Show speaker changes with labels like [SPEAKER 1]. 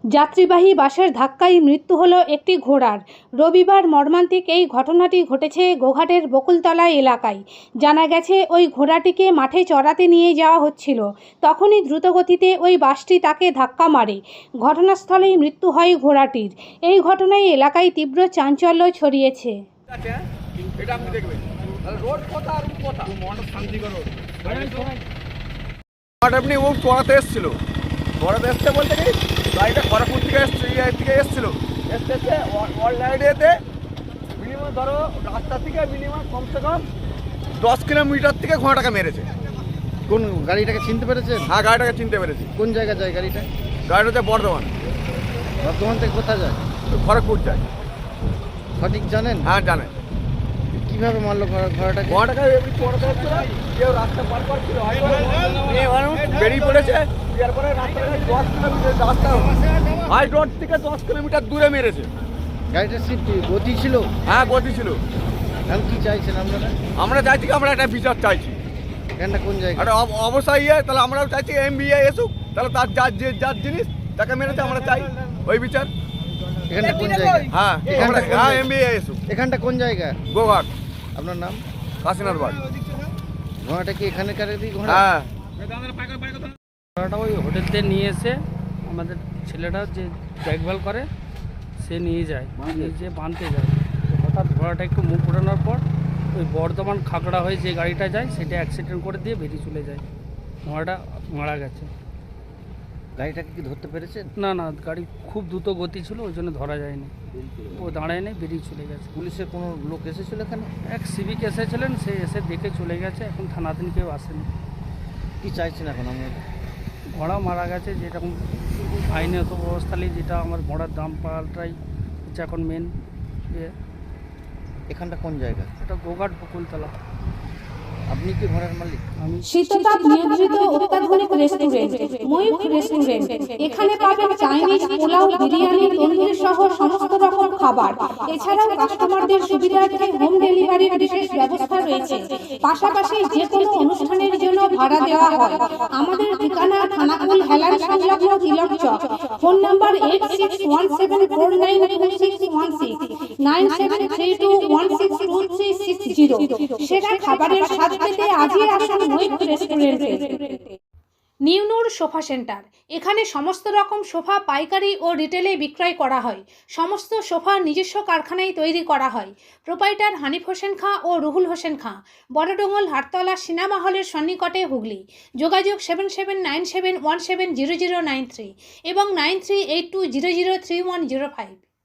[SPEAKER 1] যাত্রীবাহী বাসের ধাক্কায় মৃত্যু হলো একটি ঘোড়ার। রবিবার মর্মান্তিক এই ঘটনাটি ঘটেছে গোঘাটের বকুলতলা এলাকায়। জানা গেছে, ওই ঘোড়াটিকে মাঠে চড়াতে নিয়ে যাওয়া হচ্ছিল। তখনই দ্রুতগতিতে ওই বাসটি তাকে ধাক্কা মারে। ঘটনাস্থলেই মৃত্যু হয় ঘোড়াটির। এই ঘটনায় এলাকায় তীব্র চাঞ্চল্য ছড়িয়েছে।
[SPEAKER 2] চড়াতে এসেছিল বলতে কি গাড়িটা খড়গপুর থেকে এসেছিল অলরেডিতে মিনিমাম ধরো রাস্তা থেকে মিনিমাম কমসে কম 10 কিলোমিটার থেকে ঘোড়াটাকে মেরেছে।
[SPEAKER 3] কোন গাড়িটাকে চিনতে পেরেছেন?
[SPEAKER 2] হ্যাঁ, গাড়িটাকে চিনতে পেরেছি।
[SPEAKER 3] কোন জায়গা যায় গাড়িটা?
[SPEAKER 2] গাড়িটা হচ্ছে বর্ধমান।
[SPEAKER 3] বর্ধমান থেকে কোথায় যায়?
[SPEAKER 2] খড়গপুর যায়।
[SPEAKER 3] সঠিক জানেন?
[SPEAKER 2] হ্যাঁ, জানে।
[SPEAKER 3] কিভাবে মারলো ঘোড়াটাকে?
[SPEAKER 2] এমনি চড়াতে হচ্ছিল, কেউ রাস্তা পার করছিল, বেরিয়ে পড়েছে। এরপরে রাস্তাটা 10 কিলোমিটার রাস্তা হাই রোড থেকে 10 কিলোমিটার দূরে মেরেছে।
[SPEAKER 3] গাড়িটার সিট গতি ছিল?
[SPEAKER 2] হ্যাঁ, গতি ছিল।
[SPEAKER 3] এখন কি চাইছেন আপনারা?
[SPEAKER 2] আমরা চাইছি কি, আমরা একটা বিচার চাইছি।
[SPEAKER 3] এখানটা কোন জায়গা?
[SPEAKER 2] একটা অবশ্যই তাহলে আমরাও চাইছি MBA এসুক, তাহলে তার যার জিনিস তাকে মেরেছে, আমরা চাই ওই বিচার।
[SPEAKER 3] এখানটা কোন জায়গা?
[SPEAKER 2] হ্যাঁ, হ্যাঁ, MBA এসুক।
[SPEAKER 3] এখানটা কোন জায়গা?
[SPEAKER 2] গোঘাট।
[SPEAKER 3] আপনার নাম?
[SPEAKER 2] কাশীনাথ বাড়ি।
[SPEAKER 3] ঘোড়াটা কি এখানকার ঘোড়া?
[SPEAKER 2] হ্যাঁ,
[SPEAKER 4] ঘোড়াটা ওই হোটেল থেকে নিয়ে এসে আমাদের ছেলেটা যে দেখভাল করে সে নিয়ে যায়, নিয়ে যেয়ে বাঁধতে যায়। তো হঠাৎ ঘোড়াটা একটু মুখ ঘোরানোর পর ওই বর্ধমান খাগড়া হয়ে যে গাড়িটা যায় সেটা অ্যাক্সিডেন্ট করে দিয়ে বেরিয়ে চলে যায়। ঘোড়াটা মারা গেছে।
[SPEAKER 3] গাড়িটাকে কি ধরতে পেরেছেন?
[SPEAKER 4] না না, গাড়ি খুব দ্রুত গতি ছিল, ওই জন্য ধরা যায়নি। ও দাঁড়ায় নেই, বেরিয়ে চলে গেছে।
[SPEAKER 3] পুলিশের কোনো লোক এসেছিল এখানে?
[SPEAKER 4] এক সিভিক এসেছিলেন, সে এসে দেখে চলে গেছে। এখন থানাতে কেউ আসেনি।
[SPEAKER 3] কি চাইছেন এখন আমরা?
[SPEAKER 4] ঘোড়া মারা গেছে, যেরকম আইনত ব্যবস্থালে যেটা আমার ঘোড়ার দাম পাল্টাই হচ্ছে এখন মেন।
[SPEAKER 3] এখানটা কোন জায়গা?
[SPEAKER 4] এটা গোঘাট বকুলতলা।
[SPEAKER 3] আপনি কি ঘোড়ার মালিক?
[SPEAKER 4] আমি
[SPEAKER 1] শীততাপ নিয়ন্ত্রিত অত্যাধুনিক রেস্টুরেন্ট ময়ূখ রেস্টুরেন্ট। এখানে পাবেন চাইনিজ, পোলাও, বিরিয়ানি, তন্দুরি সহ সমস্ত রকম খাবার। এছাড়াও কাস্টমারদের সুবিধার্থে হোম ডেলিভারির বিশেষ ব্যবস্থা রয়েছে। পাশাপাশি যে কোনো অনুষ্ঠানের জন্য ভাড়া দেওয়া হয়। আমাদের ঠিকানা থানাকুল হেলান সংলগ্ন তিলক চক। Phone number 8617492616 9732162360। সেরা খাবারের স্বাদ পেতে আজই আসুন ময়ূখ রেস্টুরেন্টে। Newnoor sofa centre. এখানে সমস্ত রকম সোফা পাইকারি ও রিটেলে বিক্রয় করা হয়। সমস্ত সোফা নিজস্ব কারখানায় তৈরি করা হয়। প্রোপাইটার হানিফ হোসেন খাঁ ও রুহুল হোসেন খাঁ, বড়ডোঙ্গল, হাটতলা, সিনেমা হলের সন্নিকটে, হুগলি। যোগাযোগ 7797170093 এবং 9382003105।